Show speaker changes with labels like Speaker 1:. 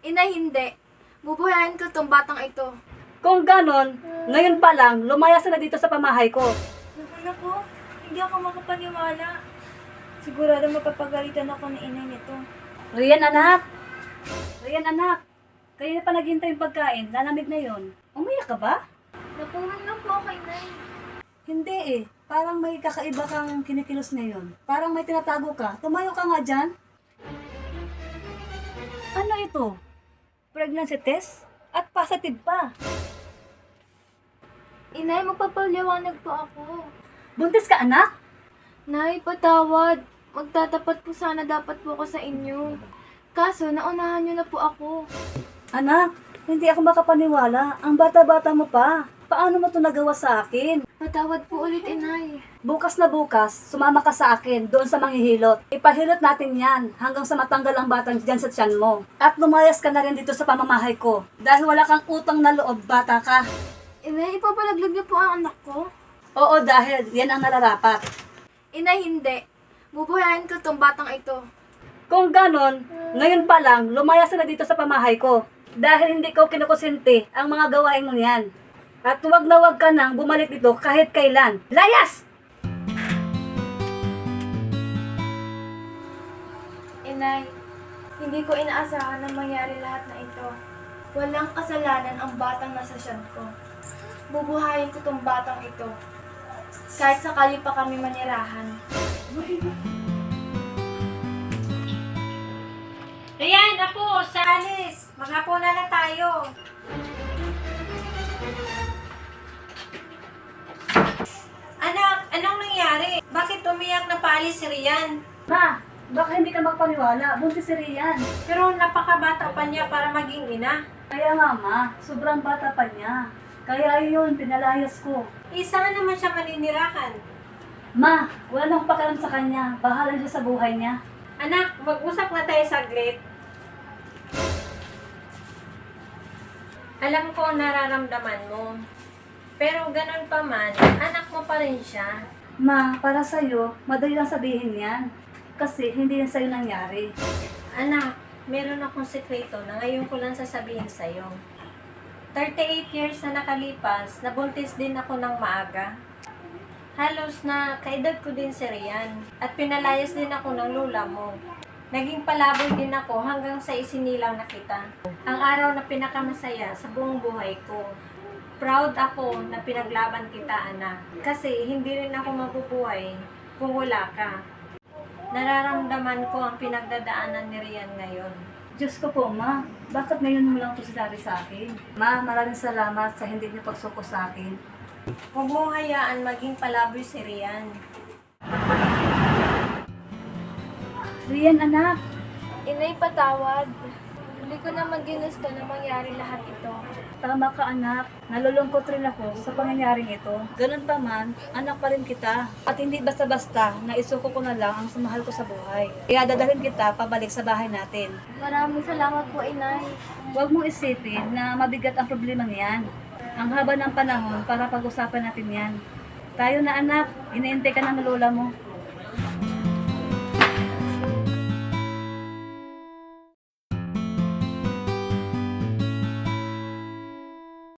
Speaker 1: Inay, hindi. Bubuhayin ko tong batang ito.
Speaker 2: Kung ganon, ngayon pa lang, lumayas na dito sa pamahay ko.
Speaker 1: Naku, hindi ako makapaniwala. Sigurado mapapagalitan ako ni inay nito.
Speaker 2: Rian anak! Rian anak! Kanina pa naghintay yung pagkain, lalamig na yon. Umiyak ka ba?
Speaker 1: Napuwing na po ako, inay.
Speaker 2: Hindi eh. Parang may kakaiba kang kinikilos ngayon. Parang may tinatago ka. Tumayo ka nga dyan. Ano ito? Pregnancy test? At positive pa.
Speaker 1: Inay, magpapaliwanag po ako.
Speaker 2: Buntis ka anak?
Speaker 1: Nay, patawad. Magtatapat po sana dapat po ako sa inyo. Kaso, naunahan niyo na po ako.
Speaker 2: Anak, hindi ako makapaniwala. Ang bata-bata mo pa. Paano mo ito nagawa sa akin?
Speaker 1: Patawad po ulit, inay.
Speaker 2: Bukas na bukas, sumama ka sa akin doon sa manghihilot. Ipahilot natin yan hanggang sa matanggal ang batang dyan sa tiyan mo. At lumayas ka na rin dito sa pamamahay ko. Dahil wala kang utang na loob, bata ka.
Speaker 1: Inay, ipapalaglag niyo po ang anak ko.
Speaker 2: Oo, dahil yan ang nararapat.
Speaker 1: Inay, hindi. Bubuhayin ko tong batang ito.
Speaker 2: Kung ganon, ngayon pa lang, lumayas na dito sa pamahay ko. Dahil hindi ko kinukusinti ang mga gawain mo yan. At huwag na huwag ka nang bumalik dito kahit kailan. Layas!
Speaker 1: Inay, hindi ko inaasahan na mangyari lahat na ito. Walang kasalanan ang batang nasa tiyan ko. Bubuhayin ko tong batang ito. Kahit sakali pa kami manirahan.
Speaker 3: Rian, ako, sa alis. Maghapona na tayo. Anak, anong nangyari? Bakit umiyak na paalis si Rian?
Speaker 2: Ma, baka hindi ka magpaniwala. Buntis si Rian.
Speaker 3: Pero napakabata pa niya para maging ina.
Speaker 2: Kaya nga ma, sobrang bata pa niya. Kaya yun, pinalayas ko.
Speaker 3: Isa naman siya maninirahan.
Speaker 2: Ma, wala na akong pakialam sa kanya. Bahala siya sa buhay niya.
Speaker 3: Anak, mag-usap nga tayo saglit. Alam ko ang nararamdaman mo. Pero ganun pa man, anak mo pa rin siya.
Speaker 2: Ma, para sa'yo, madali lang sabihin yan. Kasi hindi yan sa'yo nangyari.
Speaker 3: Anak, meron akong sekreto na ngayon ko lang sasabihin sa'yo. 38 years na nakalipas, nabuntis din ako ng maaga. Halos na kaedad ko din si Rian at pinalayas din ako ng lola mo. Naging palaboy din ako hanggang sa isinilang na kita. Ang araw na pinakamasaya sa buong buhay ko. Proud ako na pinaglaban kita, anak. Kasi hindi rin ako mabubuhay kung wala ka. Nararamdaman ko ang pinagdadaanan ni Rian ngayon.
Speaker 2: Diyos ko po, ma. Bakit ngayon mo lang ito sinabi sa akin? Ma, maraming salamat sa hindi niyo pagsuko sa akin.
Speaker 3: Huwag mong hayaan maging palaboy si Rian.
Speaker 2: Rian, anak.
Speaker 1: Inay, patawad. Hindi ko naman ginusto na mangyari lahat ito.
Speaker 2: Tama ka, anak. Nalulungkot rin ako sa pangyayaring ito. Ganun pa man, anak pa rin kita. At hindi basta-basta na isuko ko na lang ang sumahal ko sa buhay. Kaya dadalhin kita pabalik sa bahay natin.
Speaker 1: Maraming salamat po, inay.
Speaker 2: Huwag mong isipin na mabigat ang problema niyan. Ang haba ng panahon para pag-usapan natin yan. Tayo na anak, inaintay ka ng lola mo.